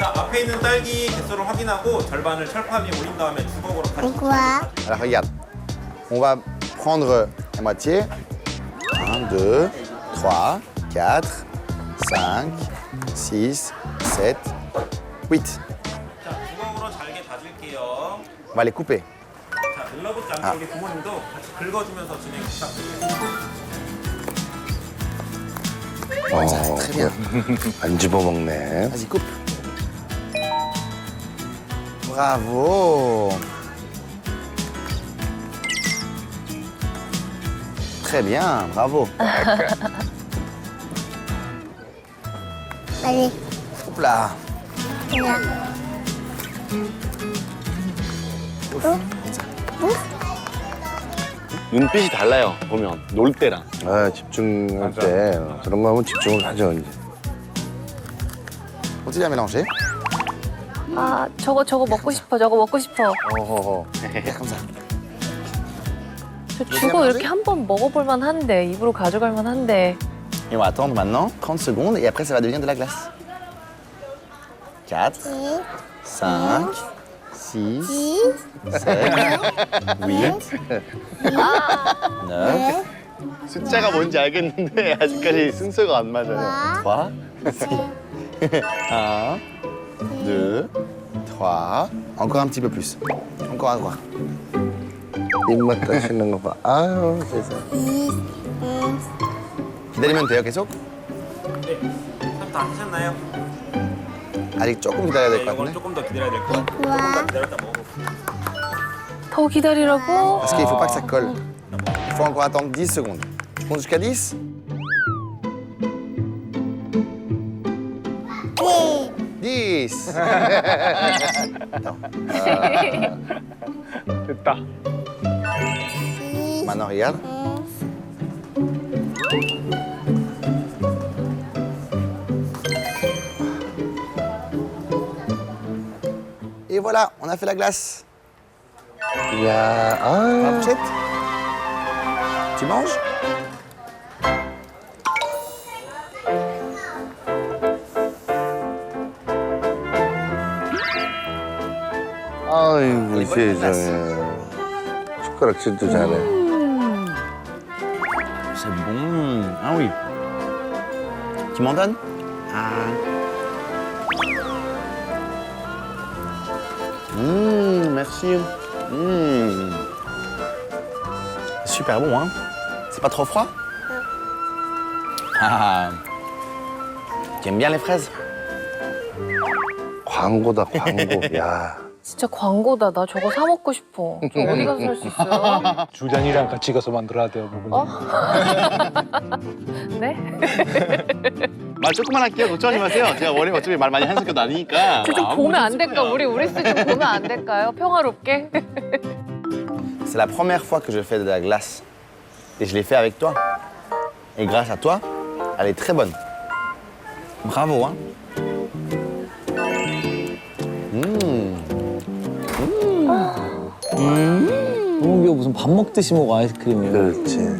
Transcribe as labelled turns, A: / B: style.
A: 자, 앞에 있는 딸기 개수를 확인하고 절반을 철판 위에 올린 다음에 주걱으로 같이.
B: Quoi?
C: Alors regarde, on va prendre la moitié. 1, 2, 3, 4, 5, 6, 7, 8.
A: 자, 주걱으로 잘게 다질게요.
C: On va les couper.
A: 자, 늘러붙지 않게 우리 부모님도 같이 긁어주면서 진행 부탁드리겠습니다.
C: Très bien.
D: 안 집어먹네.
C: Vas-y, coupe. Bravo. Très bien, bravo.
B: Allez,
C: Hop là.
B: là.
D: 눈빛이 달라요, 보면. 놀 때랑.
E: 아, 집중할 때 그런 거 하면 집중을 하죠, 이제.
C: Continue à mélanger.
F: 아, 저거 먹고 싶어. 저거 먹고 싶어.
C: Oh, Faire comme ça.
F: 저 죽어 이렇게 한 번 먹어볼 만한데, 입으로 가져갈 만한데.
C: Et on va attendre maintenant 30 secondes et après ça va devenir de la glace. 4, 5, 6, 7, 8, 9,
D: 숫자가 뭔지 알겠는데 아직까지 순서가 안 맞아요.
C: 3, 1, 2, 3. Encore un petit peu plus. Encore à droite.
E: 입맛 따시는 거 봐. 아유, 세상에.
C: 기다리면 돼요, 계속?
A: 네. 다 하셨나요?
C: 아직 조금 기다려야 될
A: 네,
C: 것
A: 이건
C: 같은데.
A: 조금 더 기다려야 될 것 같아요. 조금 더 기다렸다 먹어볼게요.
F: 더 기다리라고?
C: Parce qu'il ne faut pas que ça colle. Il faut encore attendre 10 secondes. Je compte jusqu'à 10. 10. Attends.
D: 됐다.
C: Maintenant, regarde. Et voilà, on a fait la glace.
E: 야,
C: La
E: 아,
C: fourchette. Tu manges?
E: 아이고,
C: 이번엔
E: 세상에. 숟가락질도 잘해.
C: C'est bon. Ah oui. Tu m'en donnes? Ah. Merci. Super bon, hein? C'est pas trop froid? Ah. Tu aimes bien les fraises?
E: 광고다, 광고. 야.
F: 진짜 광고다. 나 저거 사 먹고 싶어. 저 어디 가서 살 수 있어요?
G: 주장이랑 같이 가서 만들어야 돼요, 부분.
F: 네?
D: 말 조금만 할게요. 걱정하지 마세요. 제가 원래 어차피 말 많이 하는 성격도 아니니까.
F: 저 좀 보면 안 될까? 우리 스 좀 보면 안 될까요? 평화롭게?
C: C'est la première fois que je fais de la glace. Et je l'ai fait avec toi. Et grâce à toi, elle est très bonne. Bravo, hein?
H: 이게 무슨 밥 먹듯이 먹어 아이스크림을.
E: 그렇지.